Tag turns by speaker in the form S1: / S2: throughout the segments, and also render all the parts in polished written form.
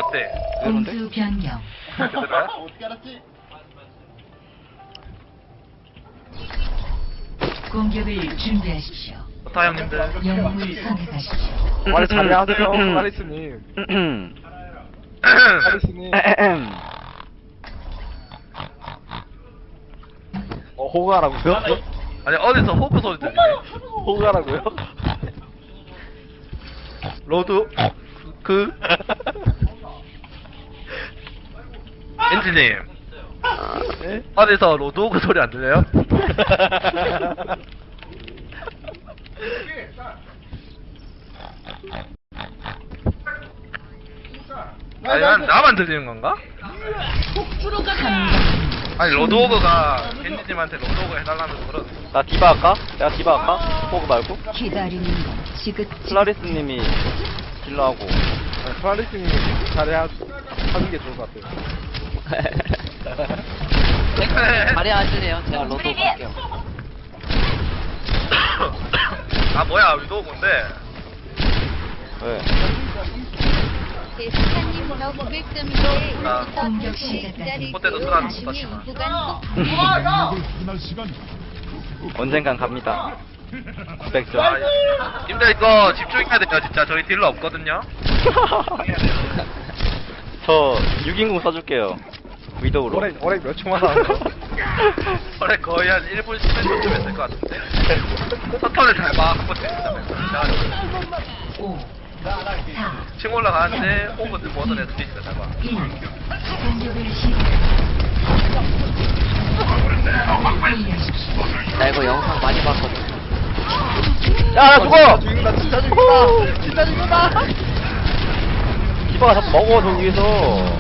S1: 네.
S2: 공수 변경.
S1: 그대로야?
S3: 어떻게 알았지?
S2: 공격을 준비하십시오.
S1: 좋다 형님들.
S2: 영웅을 선택하십시오.
S4: 말 잘하세요, 클라리스님. 클라리스님. 호가라고요?
S1: 아니 어디서 호크 소리 들리네.
S4: 호가라고요?
S1: 로드 그 엔지님
S4: 네?
S1: 어디서 로드 호크 소리 안 들려요? 아니 나만 들리는 건가? 아니 로드호그가 겐지님한테 로드호그 해달라면서 그런.
S5: 나 디바 할까? 내가 디바 할까? 호그 말고?
S2: 기다리는 건 지긋지긋.
S5: 클라리스님이 딜러하고.
S4: 클라리스님 잘해야 하는 게 좋을 것 같아요.
S6: 자리 앉으세요. 제가 로드 갈게요.
S1: 아 뭐야 로드호그인데.
S5: 왜?
S7: 대스타님 저 900점인데
S1: 아.
S2: 공격 시작까지
S1: 그때도 쓰라는 거
S7: 나중에
S1: 같지만.
S7: 인구가
S5: 언젠간 갑니다. 900점.
S1: 아, 님들 이거 집중해야 돼요 진짜. 저희 딜러 없거든요.
S5: 저 6인공 써줄게요. 위도우로.
S4: 올해 몇 초만 나왔어?
S1: 그래 거의 한 1분 10분 쯤 했을 것 같은데. 서턴을 잘 봐. 한번 때린다.
S2: 5, 4,
S1: 층 올라가는데 호그든 뭐든 해서 뒤집어 잘 봐.
S2: 1. 공격을 시작합니다.
S6: 나 이거 영상 많이 봤거든.
S5: 야, 나 죽어!
S4: 죽인다, 진짜 죽인다! 진짜 죽인다!
S5: 디바가 자꾸 먹어, 저기 위에서.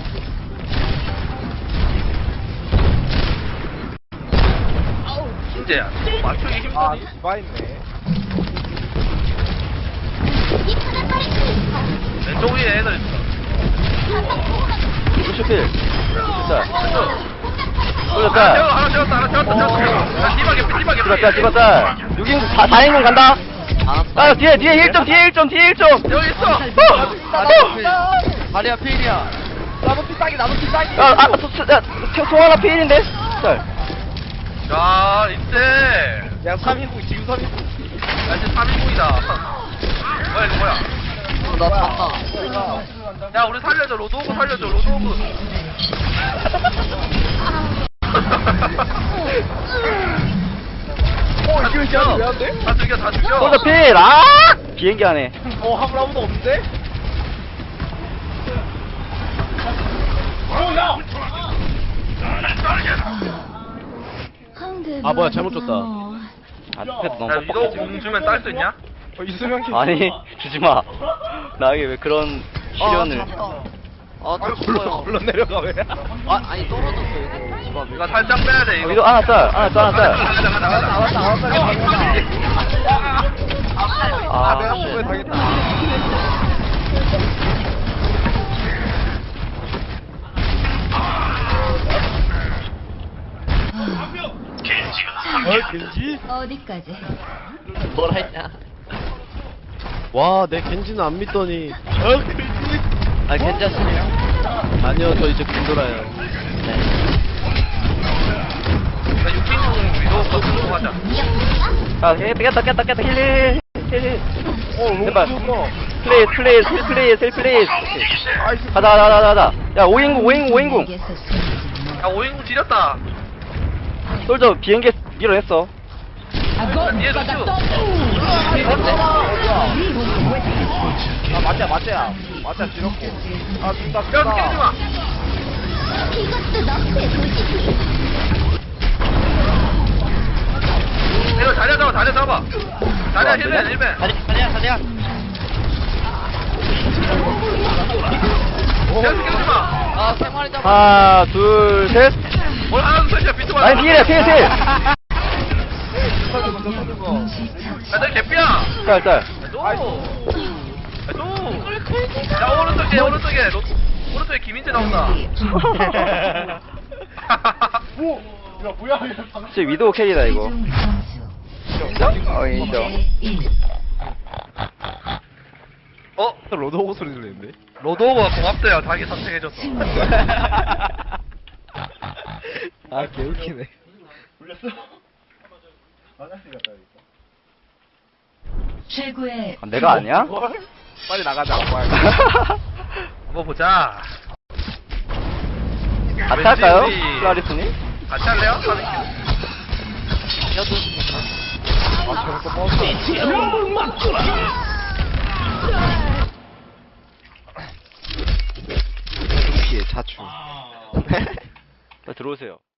S1: 진짜야. 맞추기 힘드니?
S4: 아, 디바 있네.
S1: 왼쪽 위에 애들 있어.
S5: 루시필. 진짜.
S1: 하나
S5: 쏠렸다.
S1: 채웠다, 하나 채웠다. 야, 디바게,
S5: 디바, 디바, 짤. 6인공 4인공 간다. 아, 뒤에 1점, 뒤에 1점.
S1: 여기 있어.
S6: 자리야 필이야.
S4: 나도 피싸기!
S5: 송 하나 피일인데? 짤.
S1: 야, 이때.
S4: 야, 3인국, 지금 3인국.
S1: 야, 이제 3인국이다. 뭐야, 이거 뭐야?
S6: 나 봤다.
S1: 야, 우리 살려줘. 로드호그 살려줘. 로드호그.
S4: 이거 진짜 왜안 돼?
S1: 다 죽여, 다 죽여.
S5: 솔더 필! 아! 비행기 안에.
S4: 화물 아무도 없는데?
S2: 아 뭐야 잘못 줬다.
S5: 아, 패드 너무
S1: 야,
S5: 뻑뻑해,
S1: 이거
S5: 지금.
S1: 공 주면 딸 수 있냐?
S4: 이수명 씨.
S5: 아니, 주지마. 나에게 왜 그런 시련을.
S6: 아, 저 죽어요.
S4: 물론 내려가, 왜?
S6: 아니 떨어졌어 이거. 집앞에.
S1: 이거 살짝 빼야 돼, 이거.
S5: 이거 하나 짤.
S1: 가자.
S4: 아,
S5: 아,
S4: 내가
S5: 씨.
S4: 보고에 당했다.
S3: 겐지?
S2: 어디까지?
S6: 뭐라 했냐?
S3: 와, 내 겐지는 안 믿더니.
S6: 아 괜찮습니다.
S3: 아니요, 저 이제 군돌아요.
S6: 네.
S1: 6인 위도 버튼 하자.
S5: 아, 깼다, 힐. 제발.
S4: 좋다.
S5: 플레이스. 가자. 야, 5인공.
S2: 내게서 숨지
S1: 야, 5인국 지렸다.
S5: 솔저 비행기 밀어냈어.
S1: 야, 뒤에 루슈.
S4: 아, 맞자, 지렸고. 아, 죽다,
S1: 야, 깨지 마. 이거 자리야 잡아. 자리야 힐맨.
S6: 자리야.
S1: 계속 깨지 마.
S6: 아 생활이 잡아.
S5: 하나, 둘, 셋.
S1: 뭘 하나 둘 셋이야 비트 봐.
S5: 아니, 필.
S2: 마.
S1: 야, 너 개피야.
S5: 짤.
S1: 야, 오른쪽에 김인재 나온다.
S4: 야, 뭐야,
S5: 진짜 위도우 캐리다, 이거.
S2: 최종 점수
S5: 인정.
S2: 1.
S1: 어?
S4: 로드호그 소리 들리는데?
S1: 로드오버가 고맙대요. 자기 선택해줘서.
S4: 아 개웃기네.
S2: 최고의
S5: 아, 내가 아니야?
S4: 빨리 나가자. 뭐야.
S1: 한번 보자.
S5: 같이 할까요?
S1: 왠지 우리-
S5: 클라리스님?
S1: 같이 할래요?
S4: 아 저거 또 버스. 동시에 자출.
S5: 자, 들어오세요.